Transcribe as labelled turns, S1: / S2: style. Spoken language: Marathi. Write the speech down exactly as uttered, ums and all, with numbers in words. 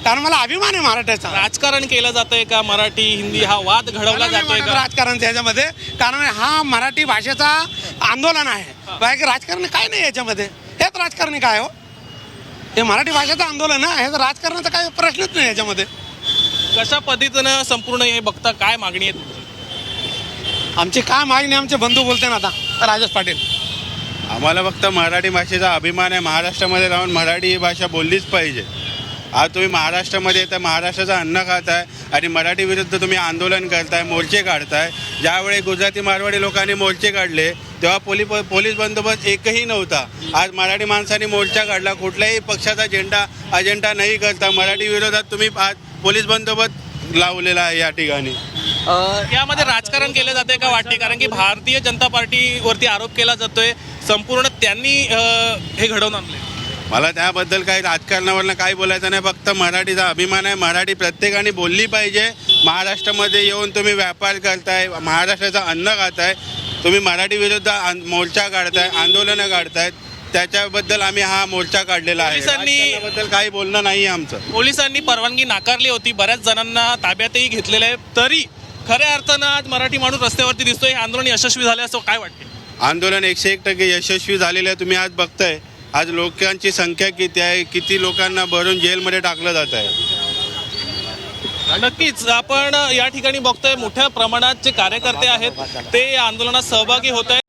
S1: कारण मला अभिमान आहे मराठ्याचा.
S2: राजकारण केलं जातंय का? मराठी हिंदी हा वाद घडवला जातोय का?
S1: राजकारण त्याच्यामध्ये, कारण हा मराठी भाषेचा आंदोलन आहे, बाकी राजकारण काय नाही याच्यामध्ये. हेच राजकारणी काय हो, हे मराठी भाषेचं आंदोलन आहे, हे राजकारणाचा काही प्रश्नच नाही याच्यामध्ये.
S2: कशा पद्धतीनं संपूर्ण हे बघता, काय मागणी आहे?
S1: आमची काय मागणी, आमचे बंधू बोलते ना आता, राजेश पाटील.
S3: आम्हाला फक्त मराठी भाषेचा अभिमान आहे. महाराष्ट्रामध्ये राहून मराठी ही भाषा बोललीच पाहिजे. आज तुम्ही महाराष्ट्रामध्ये येता, महाराष्ट्राचं अन्न खाताय आणि मराठी विरुद्ध तुम्ही आंदोलन करताय, मोर्चे काढताय. ज्यावेळी गुजराती मारवाडी लोकांनी मोर्चे काढले तेव्हा पोलीस पोलीस बंदोबस्त एकही नव्हता. आज मराठी माणसांनी मोर्चा काढला, कुठल्याही पक्षाचा झेंडा अजेंडा नाही करता मराठी विरोधात तुम्ही आज पोलीस बंदोबस्त लावलेला आहे या ठिकाणी.
S2: यामध्ये राजकारण केलं जाते का वाटते? कारण की भारतीय जनता पार्टीवरती आरोप केला जातोय संपूर्ण त्यांनी अं, हे घडवून आणले.
S3: मला त्याबद्दल काही राजकारणावरनं काही बोलायचं नाही. फक्त मराठीचा अभिमान आहे. मराठी प्रत्येकाने बोलली पाहिजे. महाराष्ट्रामध्ये येऊन तुम्ही व्यापार करताय, महाराष्ट्राचं अन्न खाताय, तुम्ही मराठी विरुद्ध आं- मोर्चा काढताय, आंदोलनं काढतायत, त्याच्याबद्दल आम्ही हा मोर्चा काढलेला आहे.
S2: पोलिसांनी-
S3: राजकारणाबद्दल काही बोलणं नाही आमचं.
S2: पोलिसांनी परवानगी नाकारली होती, बऱ्याच जणांना ताब्यातही घेतलेलं आहे, तरी खऱ्या अर्थानं आज मराठी माणूस रस्त्यावरती दिसतोय. हे आंदोलन यशस्वी झाले असं काय वाटते?
S3: आंदोलन एकशे एक टक्के यशस्वी झालेलं आहे. तुम्ही आज बघताय आज लोकांची संख्या किती आहे, किती लोकांना भरून जेलमध्ये टाकलं जात आहे.
S2: नक्कीच आपण या ठिकाणी बघतोय मोठ्या प्रमाणात जे कार्यकर्ते आहेत ते या आंदोलनात सहभागी होत आहेत.